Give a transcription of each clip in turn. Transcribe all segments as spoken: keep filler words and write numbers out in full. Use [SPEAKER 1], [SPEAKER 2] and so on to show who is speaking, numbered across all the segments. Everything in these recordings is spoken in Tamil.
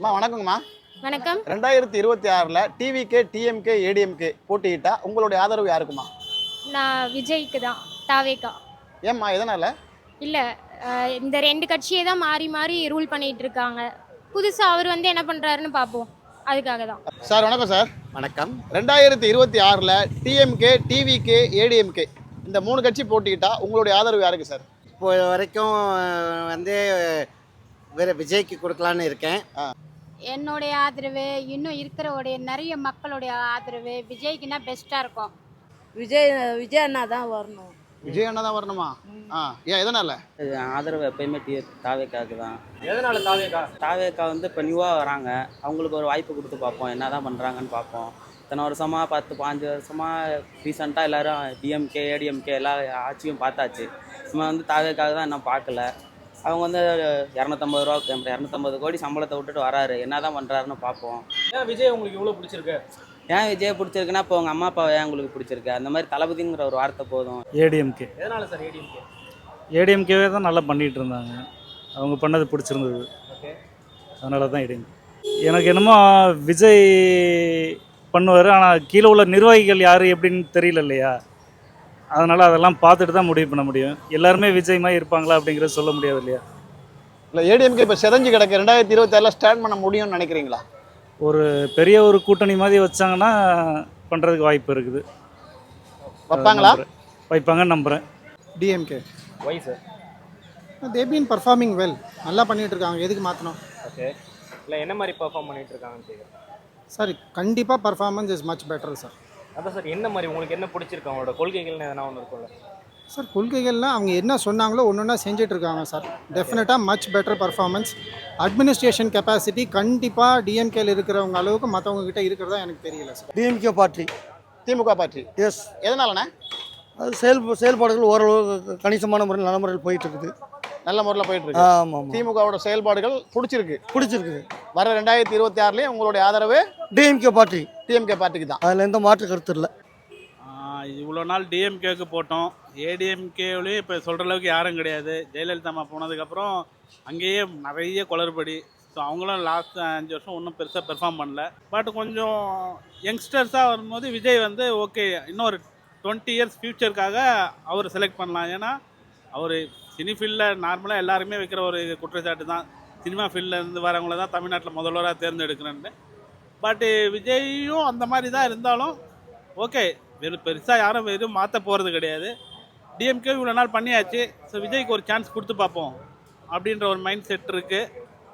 [SPEAKER 1] அம்மா வணக்கங்கம்மா.
[SPEAKER 2] வணக்கம்.
[SPEAKER 1] ரெண்டாயிரத்தி இருபத்தி ஆறில் டிவிகே டிஎம்கே ஏடிஎம்கே போட்டியிட்டா உங்களுடைய ஆதரவு யாருக்குமா?
[SPEAKER 2] நான் விஜய்க்கு தான். தாவேக்கா.
[SPEAKER 1] ஏம்மா எதனால்?
[SPEAKER 2] இல்லை, இந்த ரெண்டு கட்சியை தான் மாறி மாறி ரூல் பண்ணிகிட்டு இருக்காங்க. புதுசாக அவர் வந்து என்ன பண்ணுறாருன்னு பார்ப்போம், அதுக்காக தான்.
[SPEAKER 1] சார் வணக்கம் சார்.
[SPEAKER 3] வணக்கம்.
[SPEAKER 1] ரெண்டாயிரத்தி இருபத்தி ஆறில் டிஎம்கே டிவிகே ஏடிஎம்கே இந்த மூணு கட்சி போட்டியிட்டா உங்களுடைய ஆதரவு யாருக்கு சார்?
[SPEAKER 3] இப்போ வரைக்கும் வந்து வேறு விஜய்க்கு கொடுக்கலான்னு இருக்கேன்.
[SPEAKER 4] என்னுடைய ஆதரவு இன்னும் இருக்கிறவுடைய நிறைய மக்களுடைய ஆதரவு விஜய்க்குன்னா பெஸ்ட்டாக இருக்கும்.
[SPEAKER 5] விஜய் விஜய் அண்ணா தான் வரணும்.
[SPEAKER 1] விஜய் அண்ணா தான் வரணுமா? ஆ ஏன் எதனால்?
[SPEAKER 6] ஆதரவு எப்பயுமே டி தாவேக்காவுக்கு தான்.
[SPEAKER 1] எதனால் தாவேக்கா?
[SPEAKER 6] தாவேக்கா வந்து இப்போ நியூவாக வராங்க, அவங்களுக்கு ஒரு வாய்ப்பு கொடுத்து பார்ப்போம், என்ன தான் பண்ணுறாங்கன்னு பார்ப்போம். இத்தனை வருஷமாக பத்து பாஞ்சு வருஷமாக ரீசெண்டாக எல்லோரும் டிஎம்கே ஏடிஎம்கே எல்லா ஆட்சியும் பார்த்தாச்சு. சும்மா வந்து தாவேக்காக தான் இன்னும் பார்க்கல. அவங்க வந்து இரநூத்தம்பது ரூபா இரநூத்தம்பது கோடி சம்பளத்தை விட்டுட்டு வராரு, என்ன தான் பண்ணுறாருன்னு பார்ப்போம்.
[SPEAKER 7] ஏன் விஜய் உங்களுக்கு இவ்வளோ பிடிச்சிருக்கு?
[SPEAKER 6] ஏன் விஜய் பிடிச்சிருக்குன்னா இப்போ உங்கள் அம்மா அப்பாவை ஏன் உங்களுக்கு பிடிச்சிருக்கு? அந்த மாதிரி தளபதிங்கிற ஒரு வார்த்தை போதும்.
[SPEAKER 8] ஏடிஎம்கே
[SPEAKER 7] எதனால சார் ஏடிஎம்கே?
[SPEAKER 8] ஏடிஎம்கேவே தான் நல்லா பண்ணிகிட்டு இருந்தாங்க, அவங்க பண்ணது பிடிச்சிருந்தது,
[SPEAKER 7] ஓகே,
[SPEAKER 8] அதனால தான் ஏடிஎம்கே. எனக்கு என்னமோ விஜய் பண்ணுவார், ஆனால் கீழே உள்ள நிர்வாகிகள் யார் எப்படின்னு தெரியல இல்லையா, அதனால் அதெல்லாம் பார்த்துட்டு தான் முடிவு பண்ண முடியும். எல்லாருமே விஜய் மாதிரி இருப்பாங்களா அப்படிங்கிறத சொல்ல முடியாது இல்லையா.
[SPEAKER 1] இல்லை ஏடிஎம்கே இப்போ செதஞ்சு கிடக்கு, ரெண்டாயிரத்தி இருபத்தி ஆறில் ஸ்டாண்ட் பண்ண முடியும்னு நினைக்கிறீங்களா?
[SPEAKER 8] ஒரு பெரிய ஒரு கூட்டணி மாதிரி வச்சாங்கன்னா பண்ணுறதுக்கு வாய்ப்பு இருக்குது.
[SPEAKER 1] வைப்பாங்களா?
[SPEAKER 8] வைப்பாங்கன்னு நம்புகிறேன்.
[SPEAKER 9] DMK.
[SPEAKER 7] Why sir?
[SPEAKER 9] They been performing well, நல்லா பண்ணிகிட்டு இருக்காங்க, எதுக்கு மாற்றணும்?
[SPEAKER 7] ஓகே, இல்லை என்ன மாதிரி பர்ஃபார்ம் பண்ணிட்டு இருக்காங்கன்னு கேட்குறேன்
[SPEAKER 9] சார். கண்டிப்பாக performance is much better sir.
[SPEAKER 7] அதான் சார், என்ன மாதிரி உங்களுக்கு என்ன பிடிச்சிருக்கு? அவங்களோட கொள்கைகள்னு எதனா ஒன்று இருக்கும்ல
[SPEAKER 9] சார்? கொள்கைகள்லாம் அவங்க என்ன சொன்னாங்களோ ஒன்று ஒன்றா செஞ்சுட்டு இருக்காங்க சார். டெஃபினட்டாக much better performance. Administration capacity கண்டிப்பாக டிஎம்கேல இருக்கிறவங்க அளவுக்கு மற்றவங்க கிட்ட இருக்கிறதா எனக்கு தெரியல சார்.
[SPEAKER 3] டிஎம்கே பார்ட்டி.
[SPEAKER 1] திமுக பார்ட்டி.
[SPEAKER 3] எஸ்.
[SPEAKER 1] எதனாலண்ணே?
[SPEAKER 3] அது செயல் செயல்பாடுகள் ஓரளவு கணிசமான முறையில் நல்ல முறையில் போயிட்டு இருக்குது.
[SPEAKER 1] நல்ல முறையில் போயிட்டு இருக்கு.
[SPEAKER 3] ஆமாம் ஆமாம்.
[SPEAKER 1] திமுகவோட செயல்பாடுகள் பிடிச்சிருக்கு
[SPEAKER 3] பிடிச்சிருக்குது.
[SPEAKER 1] வர ரெண்டாயிரத்தி இருபத்தி ஆறுலேயும் உங்களுடைய ஆதரவு
[SPEAKER 3] டிஎம்கே பார்ட்டி.
[SPEAKER 1] டிஎம்கே பார்ட்டிக்கு தான்.
[SPEAKER 3] அதில் எந்த மாற்று கருத்து இல்லை.
[SPEAKER 10] இவ்வளோ நாள் டிஎம்கேவுக்கு போட்டோம், ஏடிஎம்கேவிலையும் இப்போ சொல்கிற அளவுக்கு யாரும் கிடையாது. ஜெயலலிதா அம்மா போனதுக்கப்புறம் அங்கேயே நிறைய குளறுபடி. ஸோ அவங்களும் லாஸ்ட் அஞ்சு வருஷம் ஒன்றும் பெருசாக பெர்ஃபார்ம் பண்ணல. பட் கொஞ்சம் யங்ஸ்டர்ஸாக வரும்போது விஜய் வந்து ஓகே, இன்னும் ஒரு டுவெண்ட்டி இயர்ஸ் ஃப்யூச்சருக்காக அவர் செலக்ட் பண்ணலாம். ஏன்னா அவர் சினி ஃபீல்டில் நார்மலாக எல்லாருமே வைக்கிற ஒரு குற்றச்சாட்டு தான், சினிமா ஃபீல்டிலேருந்து வரவங்கள தான் தமிழ்நாட்டில் முதல்வராக தேர்ந்தெடுக்கிறேன்னு. பட்டு விஜயும் அந்த மாதிரி தான் இருந்தாலும் ஓகே, வெறும் பெருசாக யாரும் வெறும் மாற்ற போகிறது கிடையாது. டிஎம்கே இவ்வளோ நாள் பண்ணியாச்சு, ஸோ விஜய்க்கு ஒரு சான்ஸ் கொடுத்து பார்ப்போம் அப்படின்ற ஒரு மைண்ட் செட் இருக்குது.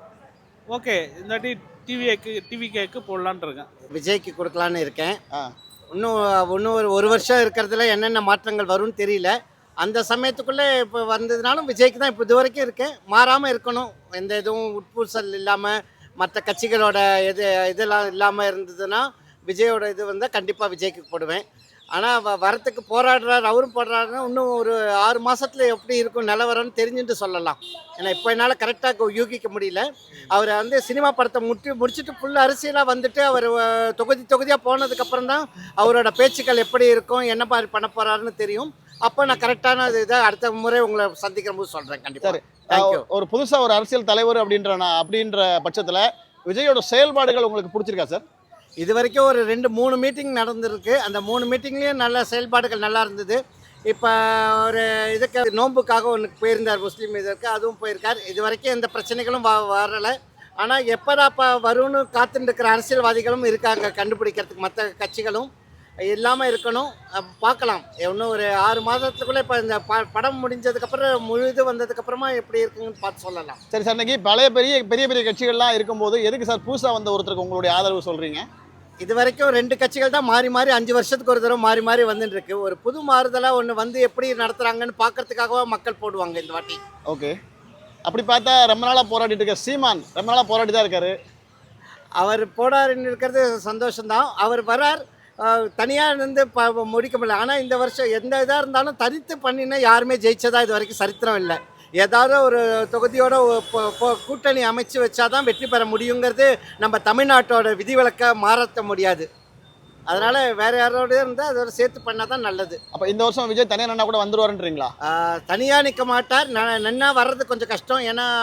[SPEAKER 10] ஓகே, இந்த வாட்டி டிவிஏக்கு டிவிகேக்கு போடலான் இருக்கேன்.
[SPEAKER 3] விஜய்க்கு கொடுக்கலான்னு இருக்கேன். இன்னும் இன்னும் ஒரு ஒரு வருஷம் இருக்கிறதுல என்னென்ன மாற்றங்கள் வரும்னு தெரியல. அந்த சமயத்துக்குள்ளே இப்போ வந்ததுனாலும் விஜய்க்கு தான் இப்போ இது வரைக்கும் இருக்கேன். மாறாமல் இருக்கணும், எந்த எதுவும் உட்பூசல் இல்லாமல் மற்ற கட்சிகளோட எது இதெல்லாம் இல்லாமல் இருந்ததுன்னா விஜயோட இது வந்தால் கண்டிப்பாக விஜய்க்கு போடுவேன். ஆனால் வ வரத்துக்கு போராடுறாரு, அவரும் போடுறாருன்னா இன்னும் ஒரு ஆறு மாதத்தில் எப்படி இருக்கும் நிலவரம்னு தெரிஞ்சுட்டு சொல்லலாம். ஏன்னா இப்போ என்னால் கரெக்டாக யூகிக்க முடியல. அவரை வந்து சினிமா படத்தை முட்டி முடிச்சுட்டு ஃபுல் அரசியலாக வந்துட்டு அவர் தொகுதி தொகுதியாக போனதுக்கப்புறம் தான் அவரோட பேச்சுக்கள் எப்படி இருக்கும், என்ன மாதிரி பண்ண போகிறாருன்னு தெரியும். அப்போ நான் கரெக்டான இதை அடுத்த முறை உங்களை சந்திக்கிற போது சொல்கிறேன். கண்டிப்பாக. தேங்க்யூ.
[SPEAKER 1] ஒரு புதுசாக ஒரு அரசியல் தலைவர் அப்படின்ற அப்படின்ற பட்சத்தில் விஜயோட செயல்பாடுகள் உங்களுக்கு பிடிச்சிருக்கா சார்?
[SPEAKER 3] இது வரைக்கும் ஒரு ரெண்டு மூணு மீட்டிங் நடந்திருக்கு. அந்த மூணு மீட்டிங்லேயும் நல்ல செயல்பாடுகள் நல்லா இருந்தது. இப்போ ஒரு இதுக்கு நோன்புக்காக ஒன்று போயிருந்தார், முஸ்லீம் இதற்கு, அதுவும் போயிருக்கார். இது வரைக்கும் எந்த பிரச்சனைகளும் வ வரலை. ஆனால் எப்போதாப்பா வரும்னு காத்துட்டு இருக்கிற அரசியல்வாதிகளும் இருக்காங்க கண்டுபிடிக்கிறதுக்கு. மற்ற கட்சிகளும் இல்லாமல் இருக்கணும், பார்க்கலாம். இன்னும் ஒரு ஆறு மாதத்துக்குள்ளே இப்போ இந்த ப படம் முடிஞ்சதுக்கப்புறம் முழு இது வந்ததுக்கப்புறமா எப்படி இருக்குங்கன்னு பார்த்து சொல்லலாம்.
[SPEAKER 1] சரி சார், இன்னைக்கு பழைய பெரிய பெரிய பெரிய கட்சிகள்லாம் இருக்கும்போது எதுக்கு சார் புதுசாக வந்த ஒருத்தருக்கு உங்களுடைய ஆதரவு சொல்கிறீங்க?
[SPEAKER 3] இது வரைக்கும் ரெண்டு கட்சிகள் தான் மாறி மாறி அஞ்சு வருஷத்துக்கு ஒரு தடவை மாறி மாறி வந்துட்டு இருக்கு. ஒரு புது மாறுதலாக ஒன்று வந்து எப்படி நடத்துகிறாங்கன்னு பார்க்கறதுக்காகவே மக்கள் போடுவாங்க இந்த வாட்டி.
[SPEAKER 1] ஓகே, அப்படி பார்த்தா ரொம்ப நாளாக போராடிட்டு இருக்க சீமான் ரொம்ப நாளாக போராடி தான் இருக்காரு.
[SPEAKER 3] அவர் போராடின்னு இருக்கிறது சந்தோஷம்தான். அவர் வரார், தனியாக இருந்து ப முடிக்க முடியல. ஆனால் இந்த வருஷம் எந்த இதாக இருந்தாலும் தனித்து பண்ணினா யாருமே ஜெயிச்சதா இது வரைக்கும் சரித்திரம் இல்லை. ஏதாவது ஒரு தொகுதியோட கூட்டணி அமைச்சு வச்சாதான் வெற்றி பெற முடியுங்கிறது நம்ம தமிழ்நாட்டோட விதிவிலக்க மாற்ற முடியாது. அதனால் வேறு யாரோட இருந்தால் அதோட சேர்த்து பண்ணால் தான் நல்லது.
[SPEAKER 1] அப்போ இந்த வருஷம் விஜய் தனியாக நின்னா கூட வந்துருவாருன்றீங்களா?
[SPEAKER 3] தனியாக நிற்க மாட்டார், நின்னா வர்றது கொஞ்சம் கஷ்டம். ஏன்னா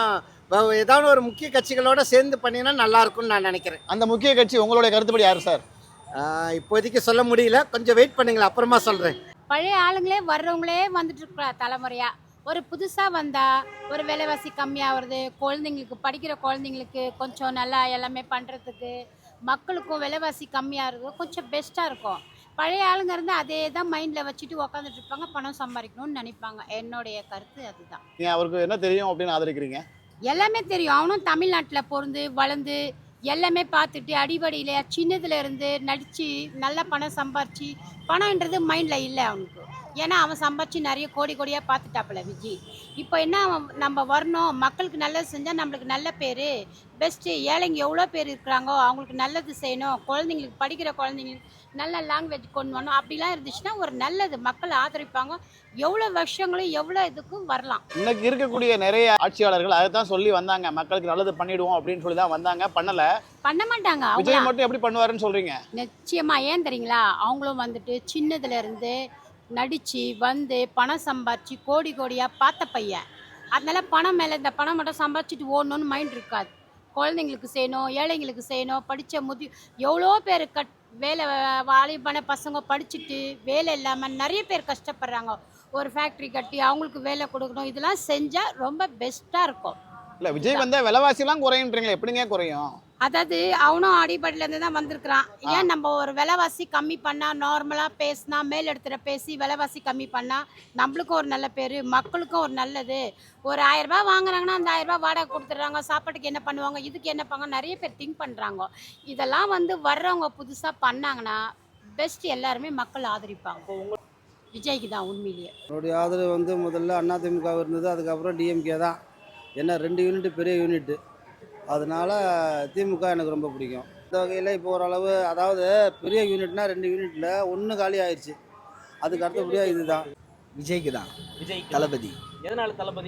[SPEAKER 3] இப்போ ஏதாவது ஒரு முக்கிய கட்சிகளோட சேர்ந்து பண்ணினா நல்லா இருக்கும்னு நான் நினைக்கிறேன்.
[SPEAKER 1] அந்த முக்கிய கட்சி உங்களுடைய கருத்துப்படி யார் சார்?
[SPEAKER 3] ஆஹ் இப்போதைக்கு சொல்ல முடியல, கொஞ்சம் வெயிட் பண்ணுங்களேன், அப்புறமா சொல்கிறேன்.
[SPEAKER 4] பழைய ஆளுங்களே வர்றவங்களே வந்துட்டு இருக்கிற தலைமுறையா ஒரு புதுசாக வந்தால் ஒரு விலைவாசி கம்மியாகிறது, குழந்தைங்களுக்கு படிக்கிற குழந்தைங்களுக்கு கொஞ்சம் நல்லா எல்லாமே பண்ணுறதுக்கு, மக்களுக்கும் விலைவாசி கம்மியாகிறது கொஞ்சம் பெஸ்ட்டாக இருக்கும். பழைய ஆளுங்க இருந்தால் அதே தான் மைண்டில் வச்சுட்டு உக்காந்துட்டு இருப்பாங்க, பணம் சம்பாதிக்கணும்னு நினைப்பாங்க. என்னுடைய கருத்து அதுதான்.
[SPEAKER 1] நீங்க அவருக்கு என்ன தெரியும் அப்படின்னு ஆதரிக்கிறீங்க?
[SPEAKER 4] எல்லாமே தெரியும். அவனும் தமிழ்நாட்டில் பிறந்து வளர்ந்து எல்லாமே பார்த்துட்டு அடிபடியில் சின்னதுல இருந்து நடித்து நல்ல பணம் சம்பாரிச்சு, பணம்ன்றது மைண்டில் இல்லை அவனுக்கு. ஏன்னா அவன் சம்பாரிச்சு நிறைய கோடி கோடியாக பார்த்துட்டாப்புல விஜய். இப்போ என்ன அவன் நம்ம வரணும், மக்களுக்கு நல்லது செஞ்சால் நம்மளுக்கு நல்ல பேர் பெஸ்ட்டு. ஏழைங்க எவ்வளோ பேர் இருக்கிறாங்கோ, அவங்களுக்கு நல்லது செய்யணும், குழந்தைங்களுக்கு படிக்கிற குழந்தைங்களுக்கு நல்ல லாங்குவேஜ் கொண்டு வரணும், அப்படிலாம் இருந்துச்சுன்னா ஒரு நல்லது மக்கள் ஆதரிப்பாங்க. எவ்வளோ வருஷங்களும் எவ்வளோ இதுக்கும் வரலாம்.
[SPEAKER 1] இன்னைக்கு இருக்கக்கூடிய நிறைய ஆட்சியாளர்கள் அதை தான் சொல்லி வந்தாங்க, மக்களுக்கு நல்லது பண்ணிடுவோம் அப்படின்னு சொல்லி தான் வந்தாங்க, பண்ணல.
[SPEAKER 4] பண்ண மாட்டாங்க.
[SPEAKER 1] விஜய்
[SPEAKER 4] அவங்க
[SPEAKER 1] மட்டும் எப்படி பண்ணுவாருன்னு சொல்றீங்க?
[SPEAKER 4] நிச்சயமா. ஏன் தெரியுங்களா, அவங்களும் வந்துட்டு சின்னதுல இருந்து நடித்து வந்து பணம் சம்பாரிச்சு கோடி கோடியாக பார்த்த பையன். அதனால பணம் மேலே இந்த பணம் மட்டும் சம்பாரிச்சிட்டு ஓடணும்னு மைண்ட் இருக்காது. குழந்தைங்களுக்கு செய்யணும், ஏழைங்களுக்கு செய்யணும், படித்த முதி எவ்வளோ பேர் கட் வேலை வாலிபான பசங்க படிச்சுட்டு வேலை இல்லாமல் நிறைய பேர் கஷ்டப்படுறாங்க. ஒரு ஃபேக்ட்ரி கட்டி அவங்களுக்கு வேலை கொடுக்கணும், இதெல்லாம் செஞ்சால் ரொம்ப பெஸ்ட்டாக இருக்கும்.
[SPEAKER 1] இல்ல விஜய் வந்த விலைவாசிலாம் குறையுன்றீங்களா? எப்படிங்க குறையும்?
[SPEAKER 4] அதாவது அவனும் அடிப்படையிலேருந்து தான் வந்திருக்கிறான். ஏன் நம்ம ஒரு விலைவாசி கம்மி பண்ணால், நார்மலாக பேசினா, மேல் இடத்துல பேசி விலைவாசி கம்மி பண்ணால் நம்மளுக்கும் ஒரு நல்ல பேர், மக்களுக்கும் ஒரு நல்லது. ஒரு ஆயிரம் ரூபாய் வாங்குறாங்கன்னா அந்த ஆயிரம் ரூபாய் வாடகை கொடுத்துட்றாங்க, சாப்பாட்டுக்கு என்ன பண்ணுவாங்க, இதுக்கு என்ன பண்ணாங்க, நிறைய பேர் திங்க் பண்ணுறாங்க. இதெல்லாம் வந்து வர்றவங்க புதுசாக பண்ணாங்கன்னா பெஸ்ட், எல்லாருமே மக்கள் ஆதரிப்பாங்க. விஜய்க்கு தான் உண்மையிலேயே.
[SPEAKER 11] என்னுடைய ஆதரவு வந்து முதல்ல அதிமுக இருந்தது, அதுக்கப்புறம் டிஎம்கே தான். ஏன்னா ரெண்டு யூனிட் பெரிய யூனிட்டு, அதனால திமுக எனக்கு ரொம்ப பிடிக்கும். இந்த வகையில் இப்போ ஓரளவு, அதாவது பெரிய யூனிட்னா ரெண்டு யூனிட்டில் ஒன்று காலி ஆயிடுச்சு, அதுக்கு அடுத்தபடியாக இதுதான்.
[SPEAKER 12] விஜய்க்கு தான்.
[SPEAKER 7] விஜய்
[SPEAKER 12] தளபதி.
[SPEAKER 7] எதனால தளபதி?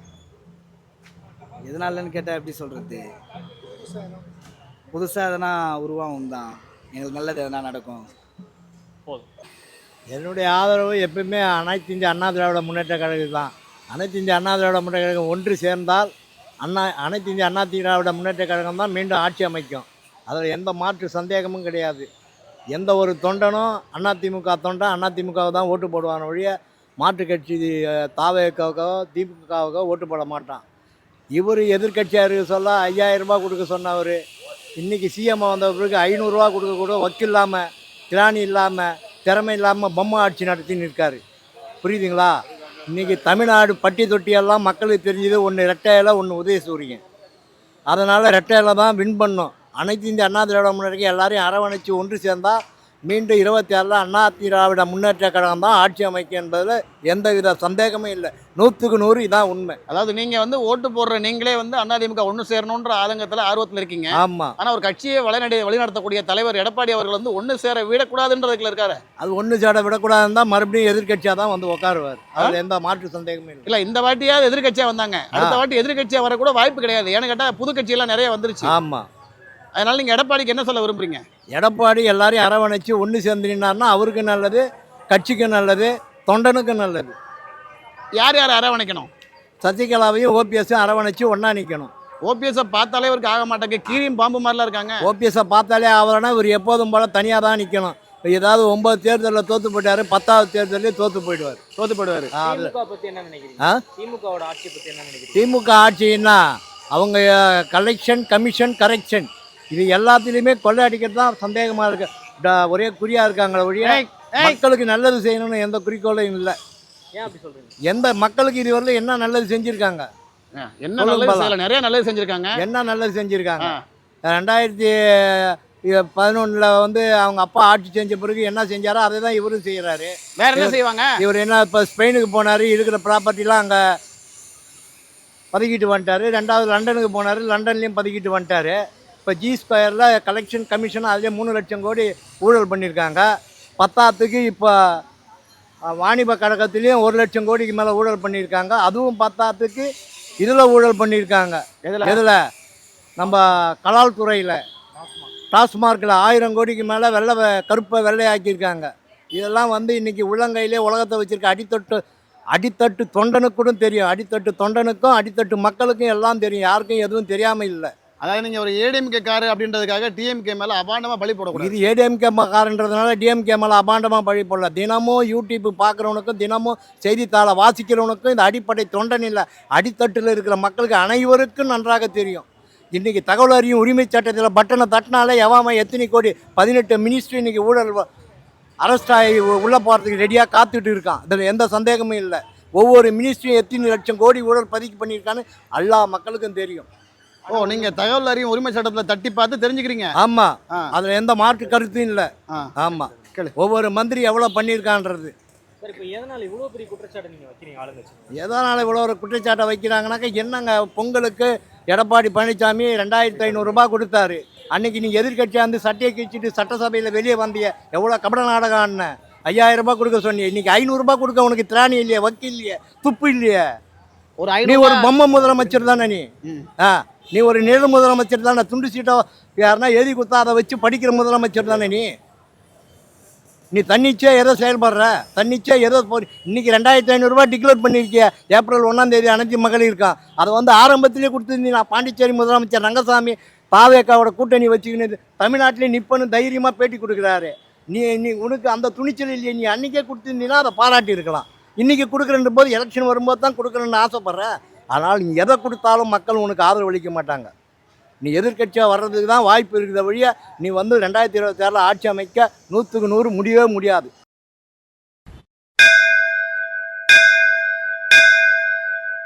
[SPEAKER 12] எதனாலன்னு கேட்டால் எப்படி சொல்கிறது, புதுசாக எதனா உருவாகும் தான், எங்களுக்கு நல்லது எதனா நடக்கும்.
[SPEAKER 7] போதும்.
[SPEAKER 11] என்னுடைய ஆதரவு எப்பவுமே அனைத்து இந்திய அண்ணா திராவிட முன்னேற்ற கழகம் தான். அனைத்து இந்திய அண்ணா திராவிட முன்னேற்ற கழகம் ஒன்று சேர்ந்தால் அண்ணா அனைத்து இந்திய அண்ணா திராவிட முன்னேற்ற கழகம் தான் மீண்டும் ஆட்சி அமைக்கும். அதில் எந்த மாற்று சந்தேகமும் கிடையாது. எந்த ஒரு தொண்டனும் அதிமுக தொண்டன் அதிமுகவை தான் ஓட்டு போடுவான ஒழிய மாற்று கட்சி தாவேக்காவுக்கோ திமுகவுக்கோ ஓட்டு போட மாட்டான். இவர் எதிர்கட்சியார் சொல்ல ஐயாயிரம் ரூபாய் கொடுக்க சொன்னவர், இன்றைக்கி சிஎம் வந்த பிறகு ஐநூறுரூவா கொடுக்க கூட வக்கீல் இல்லாமல், திராணி இல்லாமல், திறமை இல்லாமல் பொம்மை ஆட்சி நடத்தின்னு இருக்கார். புரியுதுங்களா? இன்றைக்கி தமிழ்நாடு பட்டி தொட்டியெல்லாம் மக்களுக்கு தெரிஞ்சது ஒன்று ரெட்டையில, ஒன்று உதயசூரியன். அதனால் ரெட்டையில தான் வின் பண்ணோம். அனைத்து இந்திய அண்ணா திராவிட முன்னேற்ற எல்லாரையும் அரவணைச்சு ஒன்று சேர்ந்தால் மீண்டும் இருபத்தி ஆறில் அண்ணா திராவிட முன்னேற்ற கழகம் தான் ஆட்சி அமைக்கும் என்பதில் எந்தவித சந்தேகமும் இல்லை. நூற்றுக்கு நூறு இதான் உண்மை.
[SPEAKER 1] அதாவது நீங்க வந்து ஓட்டு போடுற நீங்களே வந்து அதிமுக ஒன்று சேரணுன்ற ஆதங்கத்தில் ஆர்வத்தில் இருக்கீங்க.
[SPEAKER 12] ஆமாம்.
[SPEAKER 1] ஆனால் ஒரு கட்சியை வழிநடை வழிநடத்தக்கூடிய தலைவர் எடப்பாடி அவர்கள் வந்து ஒன்று சேர விடக்கூடாதுன்றதுல இருக்காரு.
[SPEAKER 12] அது ஒன்று சேட விடக்கூடாதுன்னு தான் மறுபடியும் எதிர்கட்சியாக தான் வந்து உட்காருவார். அதில் எந்த மாற்று சந்தேகமும் இல்லை.
[SPEAKER 1] இல்லை, இந்த வாட்டியாவது எதிர்கட்சியாக வந்தாங்க, அடுத்த வாட்டி எதிர்கட்சியாக வரக்கூட வாய்ப்பு கிடையாது. ஏன்னு கேட்டால் புது கட்சியெல்லாம் நிறைய வந்துருச்சு.
[SPEAKER 12] ஆமாம்.
[SPEAKER 1] அதனால நீங்கள் எடப்பாடிக்கு என்ன சொல்ல விரும்புறீங்க?
[SPEAKER 12] எடப்பாடி எல்லாரையும் அரவணைச்சு ஒன்று சேர்ந்துனார்னா அவருக்கு நல்லது, கட்சிக்கு நல்லது, தொண்டனுக்கும் நல்லது.
[SPEAKER 1] யார் யார் அரவணைக்கணும்?
[SPEAKER 12] சசிகலாவையும் ஓபிஎஸும் அரவணைச்சு ஒன்றா நிற்கணும்.
[SPEAKER 1] ஓபிஎஸ்ஸை பார்த்தாலே இவருக்கு ஆக மாட்டாங்க, கீரியும் பாம்பு மாதிரிலாம் இருக்காங்க.
[SPEAKER 12] ஓபிஎஸை பார்த்தாலே அவரனா இவர் எப்போதும் போல் தனியாக தான் நிற்கணும். ஏதாவது ஒன்பது தேர்தலில் தோற்று போயிட்டாரு, பத்தாவது தேர்தலையும் தோற்று போயிடுவார்
[SPEAKER 1] தோற்று போயிடுவார்.
[SPEAKER 7] திமுக பத்தி என்ன நினைக்கிறீங்க?
[SPEAKER 12] ஆ
[SPEAKER 7] திமுகவோட ஆட்சி பத்தி என்ன நினைக்கிறீங்க?
[SPEAKER 12] திமுக ஆட்சின்னா அவங்க கலெக்ஷன் கமிஷன் கரெக்ஷன் இது எல்லாத்துலேயுமே கொள்ளை அடிக்கிறது தான் சந்தேகமாக இருக்கு. ஒரே குறியாக இருக்காங்களே ஒழிய மக்களுக்கு நல்லது செய்யணும்னு எந்த குறிக்கோளும் இல்லை.
[SPEAKER 7] ஏன் அப்படி சொல்றீங்க?
[SPEAKER 12] எந்த மக்களுக்கு இதுவரையிலும் என்ன நல்லது செஞ்சுருக்காங்க?
[SPEAKER 1] என்ன நல்லது செய்யல? நிறைய நல்லது செஞ்சுருக்காங்க.
[SPEAKER 12] என்ன நல்லது செஞ்சுருக்காங்க? ரெண்டாயிரத்தி பதினொன்றில் வந்து அவங்க அப்பா ஆட்சி செஞ்ச பிறகு என்ன செஞ்சாரோ அதை தான் இவரும் செய்கிறாரு.
[SPEAKER 1] வேற என்ன செய்வாங்க?
[SPEAKER 12] இவர் என்ன இப்போ ஸ்பெயினுக்கு போனார், இருக்கிற ப்ராப்பர்ட்டிலாம் அங்கே பதுக்கிட்டு வந்துட்டார். ரெண்டாவது லண்டனுக்கு போனார், லண்டன்லேயும் பதுக்கிட்டு வந்துட்டார். இப்போ ஜி ஸ்கொயரில் கலெக்ஷன் கமிஷன் அதிலே மூணு லட்சம் கோடி ஊழல் பண்ணியிருக்காங்க. பத்தாத்துக்கு இப்போ வாணிப கழகத்துலேயும் ஒரு லட்சம் கோடிக்கு மேலே ஊழல் பண்ணியிருக்காங்க. அதுவும் பத்தாத்துக்கு இதில் ஊழல் பண்ணியிருக்காங்க.
[SPEAKER 1] எதில்?
[SPEAKER 12] எதில்? நம்ம கலால் துறையில் டாஸ்மார்க்கில் ஆயிரம் கோடிக்கு மேலே வெள்ளை கருப்பை வெள்ளையாக்கியிருக்காங்க. இதெல்லாம் வந்து இன்றைக்கி உள்ளங்கையிலே உலகத்தை வச்சுருக்க அடித்தொட்டு அடித்தட்டு தொண்டனுக்கும் தெரியும், அடித்தட்டு தொண்டனுக்கும் அடித்தட்டு மக்களுக்கும் எல்லாம் தெரியும், யாருக்கும் எதுவும் தெரியாமல் இல்லை.
[SPEAKER 1] அதாவது நீங்கள் ஒரு ஏடிஎம்கே காரு அப்படின்றதுக்காக டிஎம்கே மேலே அபாண்டமாக பழி போடக்கூடாது.
[SPEAKER 12] இது ஏடிஎம்கே காரன்றதுனால டிஎம்கே மேலே அபாண்டமாக பழி போடல. தினமும் யூடியூப் பார்க்குறவனுக்கும் தினமும் செய்தித்தாளை வாசிக்கிறவனுக்கும் இந்த அடிப்படை தொண்டன் இல்லை, அடித்தட்டில் இருக்கிற மக்களுக்கு அனைவருக்கும் நன்றாக தெரியும். இன்றைக்கி தகவல் அறியும் உரிமை சட்டத்தில் பட்டனை தட்டினாலே எவாம எத்தனை கோடி பதினெட்டு மினிஸ்ட்ரி இன்றைக்கி ஊழல் அரெஸ்ட் ஆகி உள்ளே போகிறதுக்கு ரெடியாக காத்துட்டு இருக்கான். இதில் எந்த சந்தேகமும் இல்லை. ஒவ்வொரு மினிஸ்ட்ரியும் எத்தனை லட்சம் கோடி ஊழல் பதிவு பண்ணியிருக்கான்னு எல்லா மக்களுக்கும் தெரியும்.
[SPEAKER 1] ஓ, நீங்கள் தகவல் அறியும் உரிமை சட்டத்தில் தட்டி பார்த்து தெரிஞ்சுக்கிறீங்க?
[SPEAKER 12] ஆமாம், அதில் எந்த மாற்று கருத்தும் இல்லை. ஆமாம், ஒவ்வொரு மந்திரி எவ்வளோ பண்ணியிருக்கான்றது.
[SPEAKER 7] சார், இப்போ எதனால் இவ்வளோ பெரிய குற்றச்சாட்டை நீங்கள் வைக்கிறீங்க ஆளுங்கட்சி?
[SPEAKER 12] எதனால் இவ்வளோ ஒரு குற்றச்சாட்டை வைக்கிறாங்கனாக்கா, என்னங்க பொங்கலுக்கு எடப்பாடி பழனிசாமி ரெண்டாயிரத்தி ஐநூறுரூபா கொடுத்தாரு. அன்னைக்கு நீ எதிர்கட்சியாக வந்து சட்டையை கிழிச்சிட்டு சட்டசபையில் வெளியே வந்திய எவ்வளோ கபட நாடகம் ஆடின. ஐயாயிரம் ரூபாய் கொடுக்க சொன்னீங்க, இன்னைக்கு ஐநூறுரூபா கொடுக்க உனக்கு திராணி இல்லையா, வக்கீல் இல்லையா, துப்பு இல்லையா?
[SPEAKER 1] ஒரு
[SPEAKER 12] நீ ஒரு பொம்மை முதலமைச்சர் தானே நீ? ஆ, நீ ஒரு நிழ முதலமைச்சர் தானே? துண்டு சீட்டோ யாருன்னா எழுதி கொடுத்தா அதை வச்சு படிக்கிற முதலமைச்சர் தானே நீ? நீ தன்னிச்சே எதோ செயல்படுற, தன்னிச்சே எதோ போ இன்னைக்கு ரெண்டாயிரத்தி ஐநூறுரூவா டிக்ளேர் பண்ணியிருக்கிய ஏப்ரல் ஒன்றாம் தேதி அனைத்து மகளிர் இருக்கான். அதை வந்து ஆரம்பத்திலே கொடுத்துருந்தீங்க. நான் பாண்டிச்சேரி முதலமைச்சர் ரங்கசாமி பாவேக்காவோட கூட்டணி வச்சுக்கின்னு தமிழ்நாட்டிலே நிப்பன்னு தைரியமாக பேட்டி கொடுக்குறாரு. நீ நீ உனக்கு அந்த துணிச்சல் இல்லையே, நீ அன்றைக்கே கொடுத்துருந்தீங்கன்னா அதை பாராட்டி இருக்கலாம். இன்றைக்கி கொடுக்குறன்ற போது எலெக்ஷன் வரும்போது தான் கொடுக்குறேன்னு ஆசைப்பட்ற. ஆனால் நீ எதை கொடுத்தாலும் மக்கள் உனக்கு ஆதரவு அளிக்க மாட்டாங்க. நீ எதிர்கட்சியாக வர்றதுக்கு தான் வாய்ப்பு இருக்கிற வழியாக நீ வந்து ரெண்டாயிரத்தி இருபத்தி ஆறில் ஆட்சி அமைக்க நூற்றுக்கு நூறு முடியவே முடியாது.